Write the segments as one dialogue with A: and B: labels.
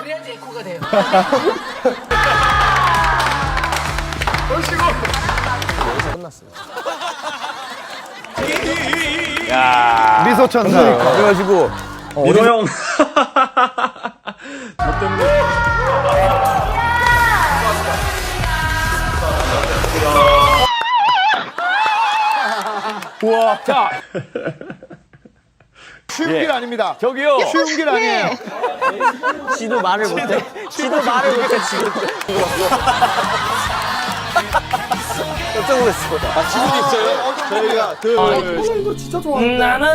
A: 그래야지 에코가 돼요.
B: 미소 천사.
C: 그래가지고
D: 민호 형. 너 때문에.
C: 우와. 자,
B: 쉬운 길 아닙니다.
C: 저기요.
B: 쉬운 길 아니에요.
C: 지도 말을 못해. 지도 말을 못해 지금. 깜짝 놀랐어. 아, 지금도 있어요?
B: 저희가
A: 이거 진짜 좋아하는데.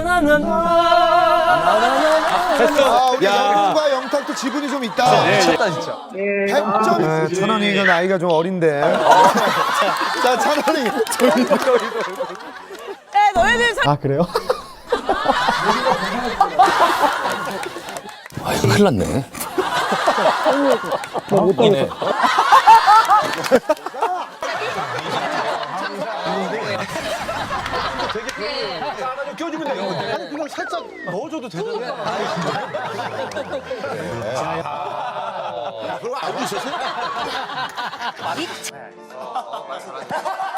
B: 아, 우리 영훈과 영탁도 지분이 좀 있다.
C: 미쳤다 진짜.
B: 100점. 찬원이가 나이가 좀 어린데. 자, 찬원이.
A: 너희들
B: 아, 그래요?
C: 아, 이거 큰일 났네. 이네.
B: 껴주면 돼요. 아니, 그냥 살짝 넣어줘도 되는데. 그럼 알고 있었어요?